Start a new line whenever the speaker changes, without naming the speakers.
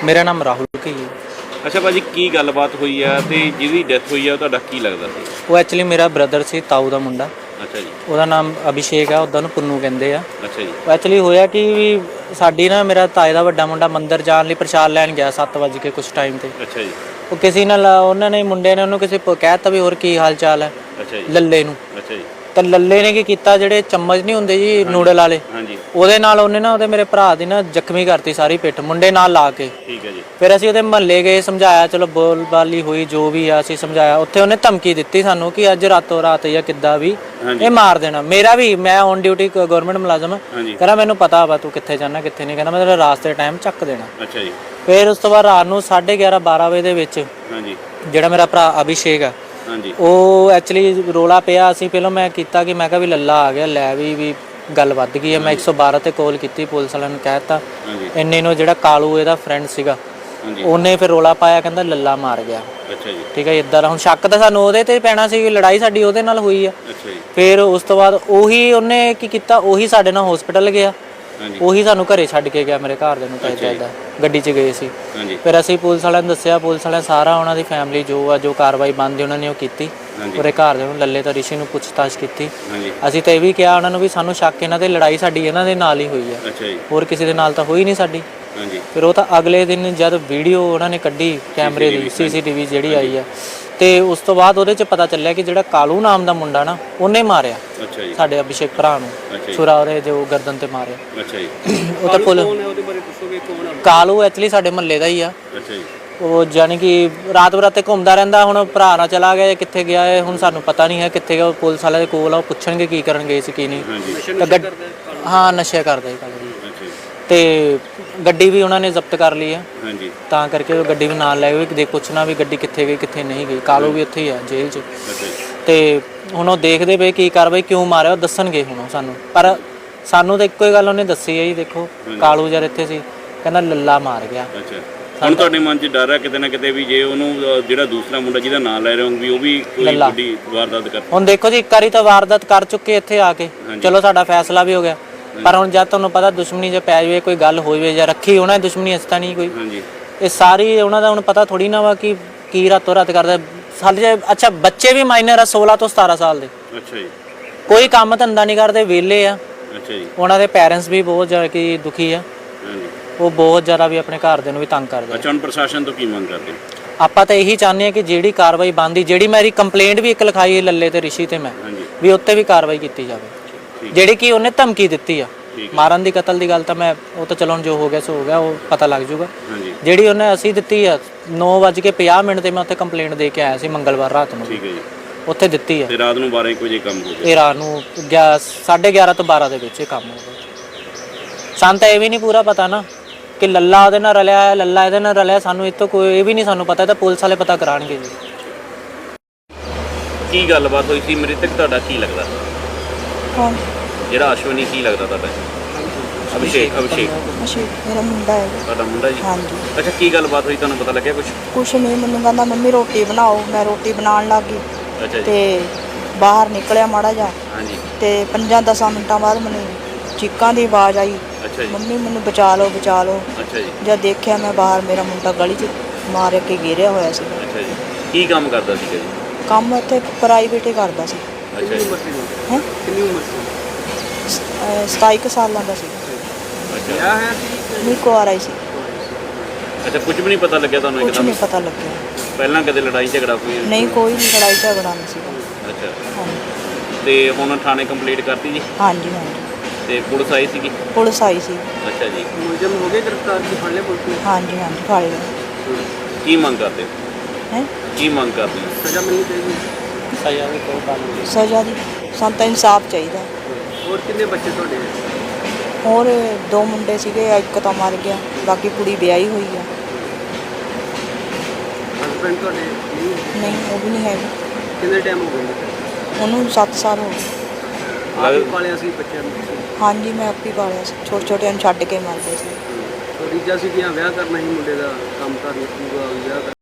ਮੇਰਾ ਨਾਮ ਰਾਹੁਲ ਕੀ ਹੈ।
ਅੱਛਾ ਭਾਜੀ, ਕੀ ਗੱਲਬਾਤ ਹੋਈ ਆ ਤੇ ਜਿਹਦੀ ਡੈਥ ਹੋਈ ਆ ਤੁਹਾਡਾ ਕੀ ਲੱਗਦਾ ਸੀ?
ਉਹ ਐਕਚੁਅਲੀ ਮੇਰਾ ਬ੍ਰਦਰ ਸੀ, ਤਾਊ ਦਾ ਮੁੰਡਾ।
ਅੱਛਾ ਜੀ।
ਉਹਦਾ ਨਾਮ ਅਭਿਸ਼ੇਕ ਆ, ਉੱਦਾਂ ਨੂੰ ਪੁੰਨੂ ਕਹਿੰਦੇ ਆ।
ਅੱਛਾ ਜੀ।
ਉਹ ਐਕਚੁਅਲੀ ਹੋਇਆ ਕਿ ਵੀ ਸਾਡੀ ਨਾ ਮੇਰਾ ਤਾਏ ਦਾ ਵੱਡਾ ਮੁੰਡਾ ਮੰਦਿਰ ਜਾਣ ਲਈ ਪ੍ਰਸ਼ਾਦ ਲੈਣ ਗਿਆ 7 ਵਜੇ ਕੇ ਕੁਛ ਟਾਈਮ ਤੇ।
ਅੱਛਾ ਜੀ।
ਉਹ ਕਿਸੇ ਨਾਲ ਉਹਨਾਂ ਨੇ ਮੁੰਡੇ ਨੇ ਉਹਨੂੰ ਕਿਸੇ ਕਹਿ ਦਿੱਤਾ ਵੀ ਹੋਰ ਕੀ ਹਾਲ ਚਾਲ ਹੈ
ਅੱਛਾ ਜੀ।
ਲੱਲੇ ਨੂੰ।
ਅੱਛਾ ਜੀ।
ਤਾਂ ਲੱਲੇ ਨੇ ਕੀ ਕੀਤਾ, ਜਿਹੜੇ ਚਮਚ ਨਹੀਂ ਹੁੰਦੇ ਜੀ ਨੂਡਲ ਵਾਲੇ,
ਹਾਂਜੀ।
ਉਹਦੇ ਨਾਲ ਉਹਨੇ ਨਾ ਉਹਦੇ ਮੇਰੇ ਭਰਾ ਦੀ ਨਾ ਜ਼ਖਮੀ ਕਰਤੀ ਸਾਰੀ ਪਿੱਠ, ਮੁੰਡੇ ਨਾਲ ਲਾ ਕੇ।
ਠੀਕ ਹੈ ਜੀ।
ਫਿਰ ਅਸੀਂ ਉਹਦੇ ਮਹੱਲੇ ਗਏ, ਸਮਝਾਇਆ, ਚਲੋ ਬੋਲਬਾਲੀ ਹੋਈ ਜੋ ਵੀ ਆ, ਅਸੀਂ ਸਮਝਾਇਆ। ਉੱਥੇ ਉਹਨੇ ਧਮਕੀ ਦਿੱਤੀ ਸਾਨੂੰ ਕਿ ਅੱਜ ਰਾਤੋਂ ਰਾਤ ਜਾਂ ਕਿੱਦਾਂ ਵੀ ਇਹ ਮਾਰ ਦੇਣਾ। ਮੇਰਾ ਵੀ, ਮੈਂ ਔਨ ਡਿਊਟੀ ਗਵਰਨਮੈਂਟ ਮੁਲਾਜ਼ਮ, ਕਹਿੰਦਾ ਮੈਨੂੰ ਪਤਾ ਵਾ ਤੂੰ ਕਿੱਥੇ ਜਾਣਾ ਕਿੱਥੇ ਨਹੀਂ, ਕਹਿੰਦਾ ਮੈਂ ਤੇਰਾ ਰਾਸਤੇ ਟਾਈਮ ਚੱਕ ਦੇਣਾ।
ਅੱਛਾ ਜੀ।
ਫਿਰ ਉਸ ਤੋਂ ਬਾਅਦ ਰਾਤ ਨੂੰ 11:30-12 ਵਜੇ ਦੇ ਵਿੱਚ ਜਿਹੜਾ ਮੇਰਾ ਭਰਾ ਅਭਿਸ਼ੇਕ ਆ, ਉਹ ਐਕਚੁਅਲੀ ਰੋਲਾ ਪਿਆ। ਅਸੀਂ ਪਹਿਲਾਂ ਮੈਂ ਕੀਤਾ ਕਿ ਮੈਂ ਕਿਹਾ ਵੀ ਲੱਲਾ ਆ ਗਿਆ, ਲੈ ਵੀ ਗੱਲ ਵੱਧ ਗਈ ਹੈ। ਮੈਂ 112 ਤੇ ਕਾਲ ਕੀਤੀ, ਪੁਲਿਸ ਵਾਲਿਆਂ ਨੂੰ ਕਹਿ ਦਿੱਤਾ। ਇੰਨੇ ਨੂੰ ਜਿਹੜਾ ਕਾਲੂ ਇਹਦਾ ਫਰੈਂਡ ਸੀਗਾ, ਉਹਨੇ ਫਿਰ ਰੋਲਾ ਪਾਇਆ, ਕਹਿੰਦਾ ਲੱਲਾ ਮਾਰ ਗਿਆ।
ਅੱਛਾ ਜੀ।
ਠੀਕ ਹੈ, ਇੱਦਾਂ ਦਾ ਹੁਣ ਸ਼ੱਕ ਤਾਂ ਸਾਨੂੰ ਉਹਦੇ ਤੇ ਪੈਣਾ ਸੀ, ਲੜਾਈ ਸਾਡੀ ਉਹਦੇ ਨਾਲ ਹੋਈ ਆ।
ਅੱਛਾ ਜੀ।
ਫਿਰ ਉਸ ਤੋਂ ਬਾਅਦ ਉਹੀ ਉਹਨੇ ਕੀ ਕੀਤਾ, ਉਹੀ ਸਾਡੇ ਨਾਲ ਹਸਪੀਟਲ ਗਿਆ, ਉਹੀ ਸਾਨੂੰ ਘਰੇ ਛੱਡ ਕੇ ਗਿਆ, ਮੇਰੇ ਘਰ ਦੇ ਨੂੰ। ਤਾਂ ਇੱਦਾਂ ਗੱਡੀ 'ਚ ਗਏ ਸੀ। ਫਿਰ ਅਸੀਂ ਪੁਲਿਸ ਵਾਲਿਆਂ ਨੂੰ ਦੱਸਿਆ, ਪੁਲਿਸ ਵਾਲਿਆਂ ਸਾਰਾ ਉਹਨਾਂ ਦੀ ਫੈਮਿਲੀ ਜੋ ਕਾਰਵਾਈ ਬਣਦੀ ਉਹਨਾਂ ਨੇ ਉਹ ਕੀਤੀ। ਉਹਦੇ ਘਰ ਦੇ ਨੂੰ ਲੱਲੇ ਤਾਂ ਰਿਸ਼ੀ ਨੂੰ ਪੁੱਛਤਾਛ ਕੀਤੀ। ਅਸੀਂ ਤਾਂ ਇਹ ਵੀ ਕਿਹਾ ਉਹਨਾਂ ਨੂੰ ਵੀ ਸਾਨੂੰ ਸ਼ੱਕ ਇਹਨਾਂ ਤੇ ਲੜਾਈ ਸਾਡੀ ਇਹਨਾਂ ਦੇ ਨਾਲ ਹੀ ਹੋਈ ਆ, ਹੋਰ ਕਿਸੇ ਦੇ ਨਾਲ ਤਾਂ ਹੋਈ ਨਹੀਂ ਸਾਡੀ। ਫਿਰ ਉਹ ਤਾਂ ਅਗਲੇ ਦਿਨ ਜਦ ਵੀਡੀਓ ਉਹਨਾਂ ਨੇ ਕੱਢੀ ਕੈਮਰੇ ਦੀ, CCTV ਜਿਹੜੀ ਆਈ ਆ, ਤੇ ਉਸ ਤੋਂ ਬਾਅਦ ਉਹਦੇ 'ਚ ਪਤਾ ਚੱਲਿਆ ਕਿ ਜਿਹੜਾ ਕਾਲੂ ਨਾਮ ਦਾ ਮੁੰਡਾ ਨਾ, ਉਹਨੇ ਮਾਰਿਆ ਸਾਡੇ ਅਭਿਸ਼ੇਕ ਭਰਾ ਨੂੰ, ਛੁਰਾ ਉਹਦੇ ਜੋ ਗਰਦਨ ਤੇ ਮਾਰਿਆ। ਉਹ ਤਾਂ ਕਾਲੂ ਐਕਚੁਅਲੀ ਸਾਡੇ ਮਹੱਲੇ ਦਾ ਹੀ ਆ। ਉਹ ਜਾਨੀ ਕਿ ਰਾਤ ਬਰਾਤੇ ਘੁੰਮਦਾ ਰਹਿੰਦਾ। ਹੁਣ ਭਰਾ ਨਾਲ ਚਲਾ ਗਿਆ, ਕਿੱਥੇ ਗਿਆ ਹੈ ਹੁਣ ਸਾਨੂੰ ਪਤਾ ਨਹੀਂ ਹੈ ਕਿੱਥੇ ਗਿਆ। ਪੁਲਿਸ ਵਾਲਿਆਂ ਦੇ ਕੋਲ ਆ, ਉਹ ਪੁੱਛਣਗੇ ਕੀ ਕਰਨ ਗਏ ਸੀ ਕੀ ਨਹੀਂ। ਹਾਂ, ਨਸ਼ੇ ਕਰਦੇ ਤੇ ਗੱਡੀ ਵੀ ਉਹਨਾਂ ਨੇ ਜ਼ਬਤ ਕਰ ਲਈ ਆ, ਤਾਂ ਕਰਕੇ ਉਹ ਗੱਡੀ ਵੀ ਨਾਲ ਲੈ ਗਏ ਕਿ ਪੁੱਛਣਾ ਵੀ ਗੱਡੀ ਕਿੱਥੇ ਗਈ ਕਿੱਥੇ ਨਹੀਂ ਗਈ। ਕਾਲੂ ਵੀ ਉੱਥੇ ਹੀ ਆ ਜੇਲ੍ਹ 'ਚ। ਤੇ ਹੁਣ ਉਹ ਦੇਖਦੇ ਪਏ ਕੀ ਕਾਰਵਾਈ ਕਿਉਂ ਮਾਰਿਆ, ਉਹ ਦੱਸਣਗੇ ਹੁਣ ਸਾਨੂੰ। ਪਰ ਸਾਨੂੰ ਤਾਂ ਇੱਕੋ ਹੀ ਗੱਲ ਉਹਨੇ ਦੱਸੀ ਹੈ ਜੀ, ਦੇਖੋ ਕਾਲੂ ਜਦ ਇੱਥੇ ਸੀ ਕਹਿੰਦਾ ਲੱਲਾ ਮਾਰ ਗਿਆ।
ਹੁਣ ਤੁਹਾਡੇ ਮਨ 'ਚ ਡਰ ਹੈ ਕਿਤੇ ਨਾ ਕਿਤੇ ਵੀ ਜੇ ਉਹਨੂੰ ਜਿਹੜਾ ਦੂਸਰਾ ਮੁੰਡਾ ਜਿਹਦਾ ਨਾਂ ਲੈ ਰਹੇ ਹੋ ਵੀ ਉਹ ਵੀ ਕੋਈ ਵੱਡੀ ਵਾਰਦਾਤ ਕਰ।
ਹੁਣ ਦੇਖੋ ਜੀ, ਇੱਕ ਵਾਰੀ ਤਾਂ ਵਾਰਦਾਤ ਕਰ ਚੁੱਕੇ ਇੱਥੇ ਆ ਕੇ, ਚਲੋ ਸਾਡਾ ਫੈਸਲਾ ਵੀ ਹੋ ਗਿਆ। ਪਰ ਹੁਣ ਜਦ ਤੁਹਾਨੂੰ ਪਤਾ ਦੁਸ਼ਮਣੀ ਜੇ ਪੈ ਜਾਵੇ, ਕੋਈ ਗੱਲ ਹੋ ਜਾਵੇ ਜਾਂ ਰੱਖੀ ਉਹਨਾਂ ਦੀ ਦੁਸ਼ਮਣੀ ਇਸ ਤਾਂ ਨਹੀਂ ਕੋਈ, ਇਹ ਸਾਰੀ ਉਹਨਾਂ ਦਾ ਹੁਣ ਪਤਾ ਥੋੜੀ ਨਾ ਵਾ ਕਿ ਕੀ ਰਾਤੋਂ ਰਾਤ ਕਰਦਾ ਸਾਡੇ। ਅੱਛਾ, ਬੱਚੇ ਵੀ ਮਾਈਨਰ ਆ 16 ਤੋਂ 17 ਸਾਲ ਦੇ।
ਅੱਛਾ ਜੀ।
ਕੋਈ ਕੰਮ ਧੰਦਾ ਨਹੀਂ ਕਰਦੇ, ਵਿਹਲੇ ਆ।
ਅੱਛਾ ਜੀ।
ਉਹਨਾਂ ਦੇ ਪੈਰੈਂਟਸ ਵੀ ਬਹੁਤ ਜ਼ਿਆਦਾ ਕਿ ਦੁਖੀ ਆ, ਉਹ ਬਹੁਤ ਜ਼ਿਆਦਾ ਵੀ ਆਪਣੇ ਘਰ ਦੇ ਨੂੰ ਵੀ ਤੰਗ ਕਰਦੇ।
ਅੱਛਾ, ਹੁਣ ਪ੍ਰਸ਼ਾਸਨ ਤੋਂ ਕੀ ਮੰਗ ਕਰਦੇ?
ਆਪਾਂ ਤਾਂ ਇਹੀ ਚਾਹੁੰਦੇ ਹਾਂ ਕਿ ਜਿਹੜੀ ਕਾਰਵਾਈ ਬਣਦੀ, ਜਿਹੜੀ ਮੇਰੀ ਕੰਪਲੇਂਟ ਵੀ ਇੱਕ ਲਿਖਾਈ ਹੈ ਲੱਲੇ ਤੇ ਰਿਸ਼ੀ ਤੇ ਮੈਂ ਵੀ, ਉੱਤੇ ਵੀ ਕਾਰਵਾਈ ਕੀਤੀ ਜਾਵੇ। ਜਿਹੜੀ ਕਿ ਉਹਨੇ ਧਮਕੀ ਦਿੱਤੀ ਆ ਮਾਰਨ ਦੀ, ਕਤਲ ਦੀ ਗੱਲ ਤਾਂ ਮੈਂ ਉਹ ਤਾਂ ਚਲੋ ਜੋ ਹੋ ਗਿਆ ਸੋ ਹੋ ਗਿਆ, ਉਹ ਪਤਾ ਲੱਗ ਜੂਗਾ। ਜਿਹੜੀ ਉਹਨੇ ਅਸੀਂ ਦਿੱਤੀ ਆ 9:50 ਤੇ ਮੈਂ ਉੱਥੇ ਕੰਪਲੇਂਟ ਦੇ ਕੇ ਆਇਆ ਸੀ ਮੰਗਲਵਾਰ ਰਾਤ ਨੂੰ।
ਠੀਕ ਹੈ ਜੀ।
ਉੱਥੇ ਦਿੱਤੀ ਆ।
ਤੇ ਰਾਤ ਨੂੰ 12 ਵਜੇ ਕੰਮ ਹੋ ਗਿਆ?
ਇਹ ਰਾਤ ਨੂੰ 11:30 ਤੋਂ 12 ਦੇ ਵਿੱਚ ਇਹ ਕੰਮ ਹੋ ਗਿਆ। ਸਾਨੂੰ ਤਾਂ ਇਹ ਵੀ ਨਹੀਂ ਪੂਰਾ ਪਤਾ ਨਾ ਕਿ ਲੱਲਾ ਉਹਦੇ ਨਾਲ ਰਲਿਆ ਹੈ, ਲੱਲਾ ਇਹਦੇ ਨਾਲ ਰਲਿਆ। ਸਾਨੂੰ ਇਹ ਤੋਂ ਕੋਈ ਇਹ ਵੀ ਨਹੀਂ ਸਾਨੂੰ ਪਤਾ, ਤਾਂ ਪੁਲਿਸ ਵਾਲੇ ਪਤਾ ਕਰਾਉਣਗੇ ਜੀ।
ਕੀ ਗੱਲਬਾਤ ਹੋਈ ਸੀ? ਮ੍ਰਿਤਕ ਤੁਹਾਡਾ ਕੀ ਲੱਗਦਾ?
ਕੌਣ?
ਜਿਹੜਾ ਅਸ਼ਵਨੀ ਕੀ ਲੱਗਦਾ ਤੁਹਾਡਾ? ਅਭਿਸ਼ੇਕ
ਮੇਰਾ ਮੁੰਡਾ ਹੈ।
ਤੁਹਾਡਾ ਮੁੰਡਾ ਜੀ?
ਹਾਂਜੀ।
ਅੱਛਾ, ਕੀ ਗੱਲਬਾਤ ਹੋਈ, ਤੁਹਾਨੂੰ ਪਤਾ ਲੱਗਿਆ
ਕੁਛ ਨਹੀਂ, ਮੈਨੂੰ ਕਹਿੰਦਾ ਮੰਮੀ ਰੋਟੀ ਬਣਾਓ, ਮੈਂ ਰੋਟੀ ਬਣਾਉਣ ਲੱਗ ਗਈ।
ਅੱਛਾ ਜੀ।
ਤੇ ਬਾਹਰ ਨਿਕਲਿਆ ਮਾੜਾ ਜਿਹਾ, ਤੇ 5-10 ਮਿੰਟਾਂ ਬਾਅਦ ਮੈਨੂੰ ਚੀਕਾਂ ਦੀ ਆਵਾਜ਼ ਆਈ, ਮੰਮੀ ਮੈਨੂੰ ਬਚਾ ਲਓ ਬਚਾ ਲਓ। ਜਦ ਦੇਖਿਆ ਮੈਂ ਬਾਹਰ, ਮੇਰਾ ਮੁੰਡਾ ਗਲੀ 'ਚ ਮਾਰ ਕੇ ਗਿਰਿਆ ਹੋਇਆ ਸੀ।
ਅੱਛਾ ਜੀ। ਕੀ ਕੰਮ ਕਰਦਾ ਸੀ ਜੀ?
ਕੰਮ ਇੱਥੇ ਪ੍ਰਾਈਵੇਟ ਹੀ ਕਰਦਾ ਸੀ।
ਅੱਛਾ ਜੀ।
ਹੈ ਕਿੰਨੀ ਉਮਰ ਸੀ? 27 ਸਾਲਾਂ ਦਾ ਸੀ।
ਅੱਛਾ।
ਨਹੀਂ, ਕੁਆਰਾ ਹੀ ਸੀ।
ਅੱਛਾ, ਕੁਝ ਵੀ ਨਹੀਂ ਪਤਾ ਲੱਗਿਆ ਤੁਹਾਨੂੰ?
ਕੁਝ ਨਹੀਂ ਪਤਾ ਲੱਗਿਆ।
ਪਹਿਲਾਂ ਕਦੇ ਲੜਾਈ ਝਗੜਾ ਕੋਈ?
ਨਹੀਂ, ਕੋਈ ਵੀ ਲੜਾਈ ਝਗੜਾ ਨਹੀਂ ਸੀਗਾ।
ਅੱਛਾ। ਤੇ ਹੁਣ ਥਾਣੇ ਕੰਪਲੀਟ ਕਰਤੀ ਜੀ?
ਹਾਂਜੀ ਹਾਂਜੀ।
ਤੇ ਪੁਲਿਸ ਆਈ ਸੀਗੀ?
ਪੁਲਿਸ ਆਈ ਸੀ।
ਅੱਛਾ ਜੀ। ਮੁਲਜ਼ਮ ਹੋ ਗਏ ਗ੍ਰਿਫਤਾਰ? ਕੀ ਫੜ ਲਿਆ ਪੁਲਿਸ ਨੇ?
ਹਾਂਜੀ ਹਾਂਜੀ, ਫੜ ਲਿਆ।
ਕੀ ਮੰਗ ਕਰਦੇ ਹੋ?
ਹੈ
ਕੀ ਮੰਗ ਕਰਦੇ ਹੋ? ਸਜ਼ਾ ਮਿਲਣੀ ਚਾਹੀਦੀ?
ਸਜ਼ਾ ਦੀ ਕੋਈ ਗੱਲ ਨਹੀਂ।
ਸਜ਼ਾ ਦੀ ਸਾਨੂੰ ਤਾਂ ਇਨਸਾਫ ਚਾਹੀਦਾ।
ਹੋਰ ਕਿੰਨੇ ਬੱਚੇ ਤੁਹਾਡੇ?
ਹੋਰ 2 ਮੁੰਡੇ ਸੀਗੇ, ਇੱਕ ਤਾਂ ਮਰ ਗਿਆ, ਬਾਕੀ ਕੁੜੀ ਵਿਆਹੀ ਹੋਈ ਆ।
ਹਸਬੈਂਡ ਤੁਹਾਡੇ?
ਨਹੀਂ, ਉਹ ਵੀ ਨਹੀਂ ਹੈਗਾ।
ਕਿੰਨੇ ਟਾਈਮ ਹੋ ਗਿਆ
ਉਹਨੂੰ? 7 ਸਾਲ ਹੋ ਗਏ।
ਆਪ ਪਾਲਿਆ ਸੀ ਬੱਚਿਆਂ ਨੂੰ?
ਹਾਂਜੀ, ਮੈਂ ਆਪ ਹੀ ਪਾਲਿਆ ਸੀ। ਛੋਟੇ ਨੂੰ ਛੱਡ ਕੇ ਮਰਦੇ ਸੀ।
ਰੀਜਾ ਸੀ ਕਿ ਵਿਆਹ ਕਰਨਾ ਹੀ ਮੁੰਡੇ ਦਾ, ਕੰਮ ਕਰਨਾ ਪੂਰਾ ਵਿਆਹ ਕਰਨਾ?